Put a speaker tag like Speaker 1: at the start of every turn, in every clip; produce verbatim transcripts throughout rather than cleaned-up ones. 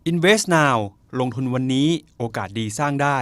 Speaker 1: Invest Now ลงทุนวันนี้โอกาสดีสร้างได้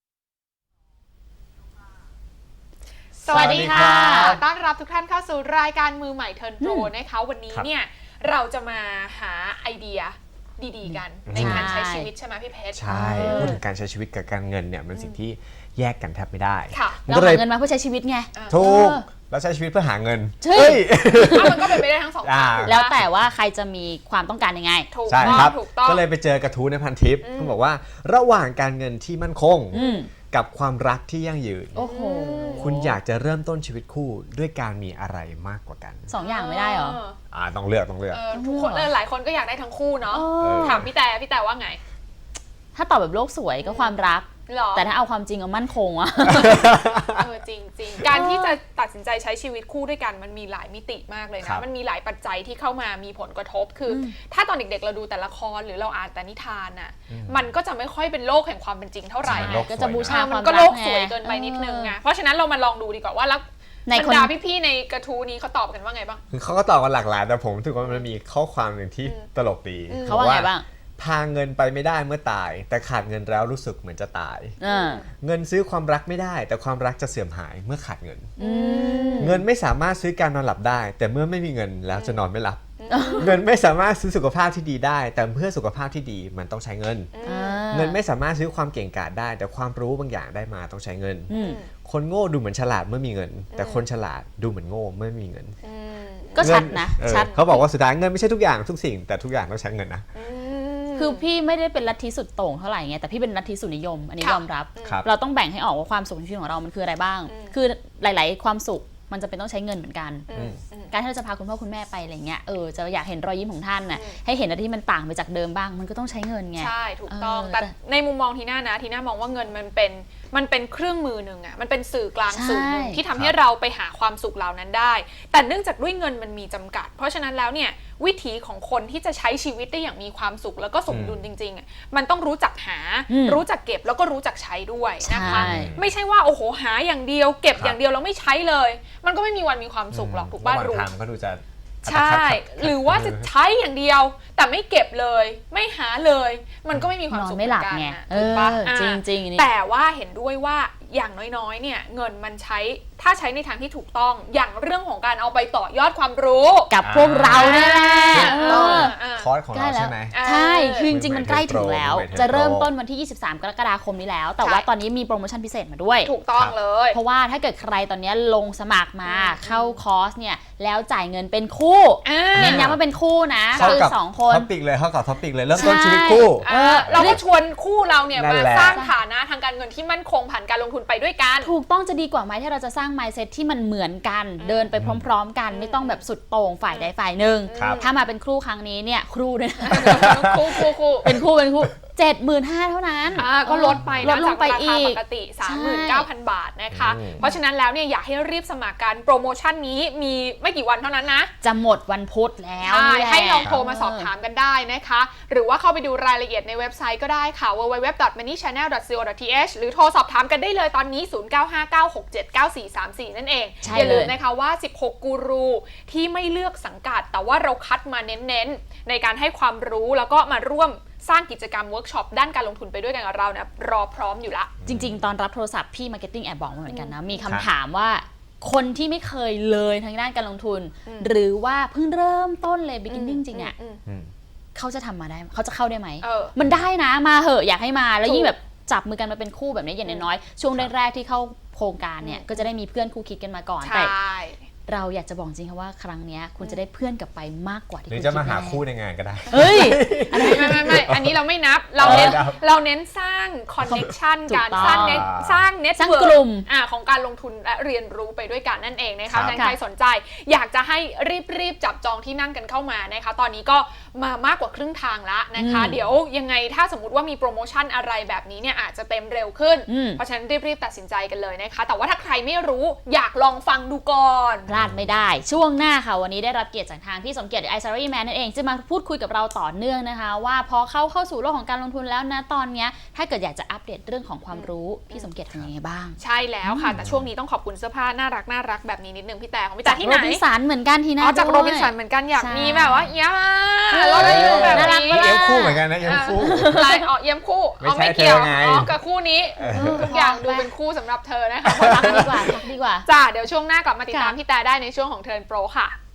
Speaker 2: สวัสดีค่ะต้อนรับทุกท่านเข้าสู่รายการมือใหม่เทิร์นโปรนะคะวันนี้เนี่ยเราจะมาหาไอเดียดีๆกันในการใช้ชีวิตใช่ไหมพี่เพชร
Speaker 3: ใช่พูดถึงการใช้ชีวิตกับการเงินเนี่ยมันสิ่งที่แยกกันแทบไม่ได้
Speaker 4: เราหาเงินมาเพื่อใช้ชีวิตไง
Speaker 3: ถูกเราใช้ชีวิตเพื่อหาเงิน
Speaker 2: เฮ้ยมันก็เป็นไปได้ทั้งสองทาง
Speaker 4: แล้วแต่ว่าใครจะมีความต้องการยังไง
Speaker 3: ใช่ครับก็เลยไปเจอกระทู้ในพันทิปเขาบอกว่าระหว่างการเงินที่มั่นคงกับความรักที่ยั่งยืนคุณอยากจะเริ่มต้นชีวิตคู่ด้วยการมีอะไรมากกว่ากัน
Speaker 4: สองอย่างไม่ได้หรอ
Speaker 3: อ่าต้องเลือกต้องเลือก
Speaker 2: ทุกคนหลายคนก็อยากได้ทั้งคู่เนาะถามพี่แต่พี่แต่ว่าไง
Speaker 4: ถ้าตอบแบบโลกสวยก็ความรักแต่ถ้าเอาความจริงเอามั่นคงอะ
Speaker 2: เออจริงจริงการที่จะตัดสินใจใช้ชีวิตคู่ด้วยกันมันมีหลายมิติมากเลยนะมันมีหลายปัจจัยที่เข้ามามีผลกระทบคือถ้าตอนเด็กๆเราดูแต่ละครหรือเราอ่านแต่นิทานน่ะมันก็จะไม่ค่อยเป็นโลกแห่งความเป็นจริงเท่าไหร่
Speaker 4: ก็จะบูชาความรัก
Speaker 2: มันก็โลกสวยเกินไปนิดนึงไงเพราะฉะนั้นเรามาลองดูดีกว่าว่าแล้วบรรดาพี่ๆในกระทู้นี้เขาตอบกันว่าไงบ้าง
Speaker 3: คือเขาก็ตอบกันหลากหลายแต่ผมถือว่ามันมีข้อความหนึ่งที่ตลกดี
Speaker 4: เขาว่าไงบ้าง
Speaker 3: พาเงินไปไม่ได้เมื่อตายแต่ขาดเงินแล้วรู้สึกเหมือนจะตายเงินซื้อความรักไม่ได้แต่ความรักจะเสื่อมหายเมื่อขาดเงินเงินไม่สามารถซื้อการนอนหลับได้แต่เมื่อไม่มีเงินแล้วจะนอนไม่หลับเงินไม่สามารถซื้อสุขภาพที่ดีได้แต่เพื่อสุขภาพที่ดีมันต้องใช้เงินเงินไม่สามารถซื้อความเก่งกาจได้แต่ความรู้บางอย่างได้มาต้องใช้เงินคนโง่ดูเหมือนฉลาดเมื่อมีเงินแต่คนฉลาดดูเหมือนโง่เมื่อมีเงิน
Speaker 4: ก็ชัดนะชัด
Speaker 3: เขาบอกว่าสุดท้ายเงินไม่ใช่ทุกอย่างทุกสิ่งแต่ทุกอย่างต้องใช้เงินนะ
Speaker 4: คือพี่ไม่ได้เป็นลัทธิสุดโต่งเท่าไหร่ไงแต่พี่เป็นลัทธิสุดนิยมอันนี้ยอมรับเราต้องแบ่งให้ออกว่าความสุขในชีวิตของเรามันคืออะไรบ้างคือหลายๆความสุขมันจะเป็นต้องใช้เงินเหมือนกันการที่เราจะพาคุณพ่อคุณแม่ไปอะไรเงี้ยเออจะอยากเห็นรอยยิ้มของท่านน่ะให้เห็นอะไรที่มันต่างไปจากเดิมบ้างมันก็ต้องใช้เงินไง
Speaker 2: ใช่ถูกต้องแต่ในมุมมองทีน่านะทีน่ามองว่าเงินมันเป็นมันเป็นเครื่องมือหนึ่งอ่ะมันเป็นสื่อกลางสื่อหนึ่งที่ทำให้เราไปหาความสุขเหล่านั้นได้แต่เนื่องจากด้วยเงินมันมีจำกัดเพราะฉะนั้นแล้วเนี่ยวิถีของคนที่จะใช้ชีวิตได้อย่างมีความสุขแล้วก็สมดุลจริงๆมันต้องรู้จักหารู้จักเก็บแล้วก็รู้จักใช้ด้วยนะคะไม่ใช่ว่าโอ้โหหาอย่างเดียวเก็บอย่างเดียวแล้วไม่ใช้เลยมันก็ไม่มีวันมีความสุขหรอกถูกป่ะรู้
Speaker 3: ก็ดูจะ
Speaker 2: ใช่หรือว่าจะใช้อย่างเดียวแต่ไม่เก็บเลยไม่หาเลยมันก็ไม่มีความสุข
Speaker 4: ไม่หลับไง
Speaker 2: ถูกป่ะ
Speaker 4: จริงจริง
Speaker 2: แต่ว่าเห็นด้วยว่าอย่างน้อยๆเนี่ยเงินมันใช้ถ้าใช้ในทางที่ถูกต้องอย่างเรื่องของการเอาไปต่อยอดความรู้
Speaker 4: กับพวกเราเนี่ยแหละ
Speaker 3: คอร์สของเราใช่ไหม
Speaker 4: ใช่คือจริงๆมันใกล้ถึงแล้วจะเริ่มต้นวันที่ยี่สิบสามกรกฎาคมนี้แล้วแต่ว่าตอนนี้มีโปรโมชั่นพิเศษมาด้วย
Speaker 2: ถูกต้องเลย
Speaker 4: เพราะว่าถ้าเกิดใครตอนนี้ลงสมัครมาเข้าคอร์สเนี่ยแล้วจ่ายเงินเป็นคู่เน้นย้ำว่าเป็นคู่นะคือสองคน
Speaker 3: ท็อปิกเลยเข้ากับท็อปิกเลยเริ่มต้นชีวิตคู่
Speaker 2: เราก็ชวนคู่เราเนี่ยมาสร้างฐานะทางการเงินที่มั่นคงผ่านการลงทุนไปด้วยกัน
Speaker 4: ถูกต้องจะดีกว่าไหมที่เราจะสร้าง mindset ที่มันเหมือนกันเดินไปพร้อมๆกันไม่ต้องแบบสุดโต่งฝ่ายใดฝ่ายหนึ่งถ้ามาเป็นคู่ครั้งนี้เนี่ยครูด้วย
Speaker 2: คู่คู่คู่
Speaker 4: เป็นคู่เป็นคู่เจ็ดหมื่นห้าพัน เท่านั้น
Speaker 2: ก็ลดไปนะจากราคาปกติ สามหมื่นเก้าพัน บาทนะคะเพราะฉะนั้นแล้วเนี่ยอยากให้รีบสมัครกันโปรโมชั่นนี้มีไม่กี่วันเท่านั้นนะ
Speaker 4: จะหมดวันพุธแล้ว
Speaker 2: ให้ลองโทรมาสอบถามกันได้นะคะหรือว่าเข้าไปดูรายละเอียดในเว็บไซต์ก็ได้ค่ะ ดับเบิลยู ดับเบิลยู ดับเบิลยู ดอท มันนี่ แชนแนล ดอท ซี โอ ดอท ที เอช หรือโทรสอบถามกันได้เลยตอนนี้ศูนย์ เก้า ห้า เก้า หก เจ็ด เก้า สี่ สาม สี่นั่นเองอย่าลืมนะคะว่าสิบหกกูรูที่ไม่เลือกสังกัดแต่ว่าเราคัดมาเน้นๆในการให้ความรู้แล้วก็มาร่วมสร้างกิจกรรมเวิร์กช็อปด้านการลงทุนไปด้วยกันกับเราเนี่ยรอพร้อมอยู่ละ
Speaker 4: จริงๆตอนรับโทรศัพท์พี่มาร์เก็ตติ้งแอบบอกมาเหมือนกันนะมีคำถามว่าคนที่ไม่เคยเลยทางด้านการลงทุนหรือว่าเพิ่งเริ่มต้นเลย beginning จริงอ่ะเขาจะทำมาได้เขาจะเข้าได้ไหมมันได้นะมาเหอะอยากให้มาแล้วยิ่งแบบจับมือกันมาเป็นคู่แบบนี้อย่างน้อยๆช่วงแรกๆที่เข้าโครงการเนี่ยก็จะได้มีเพื่อนคู่คิดกันมาก่อนแต่เราอยากจะบอกจริงค่ะว่าครั้งนี้คุณจะได้เพื่อนกลับไปมากกว่าที่คุณ
Speaker 3: คิดหรือจะมาหาคู่ในงานก็ได้
Speaker 4: เฮ้ย
Speaker 2: ไม่ไม่ไม่อันนี้เราไม่นับเราเน้นเราเน้นสร้างคอนเนคชั่นการสร้างเน็ตสร้างเน็ตเวิร์กของการลงทุนและเรียนรู้ไปด้วยกันนั่นเองนะคะใครสนใจอยากจะให้รีบๆจับจองที่นั่งกันเข้ามานะคะตอนนี้ก็มามากกว่าครึ่งทางแล้วนะคะเดี๋ยวยังไงถ้าสมมุติว่ามีโปรโมชั่นอะไรแบบนี้เนี่ยอาจจะเต็มเร็วขึ้นเพราะฉะนั้นรีบๆตัดสินใจกันเลยนะคะแต่ว่าถ้าใครไม่รู้อยากลองฟังดูก่อน
Speaker 4: พลาดไม่ได้ช่วงหน้าค่ะวันนี้ได้รับเกียรติจากทางพี่สมเกียรติไอซารีแมนนั่นเองจะมาพูดคุยกับเราต่อเนื่องนะคะว่าพอเข้าเข้าสู่โลกของการลงทุนแล้วนะตอนนี้ถ้าเกิดอยากจะอัปเดตเรื่องของความรู้พี่สมเกียรติเป็นยังไงบ้าง
Speaker 2: ใช่แล้วค่ะแต่ช่วงนี้ต้องขอบคุณเสื้อผ้าน่ารักน่ารักแบบนี้นิดนึงพี่แต่ของพี่แต่ที่ไหน
Speaker 4: โรบินสันเหมือนกันทีน่า
Speaker 2: จากโรบินสันเหมือนกันอยากมีแบบว่าเยอะเราได้อยู่แบบนี้
Speaker 3: คู่เหมือนกันนะเยี่ยมคู่
Speaker 2: ลายอ๋อเยี่ยมคู่
Speaker 3: ไม่
Speaker 2: อ๋อ
Speaker 3: ใช่
Speaker 2: ไม่เกี่ยว
Speaker 3: เธอไง
Speaker 2: อ๋อกับคู่นี้
Speaker 3: เออ
Speaker 2: ทุกอย่างดูเป็นคู่สำหรับเธอนะคะ
Speaker 4: พักดีกว่าพักดีกว่า
Speaker 2: จ้าเดี๋ยวช่วงหน้ากลับมาติดตาม
Speaker 4: ค่ะ
Speaker 2: พี่แต่ได้ในช่วงของเทิร์นโปรค่ะ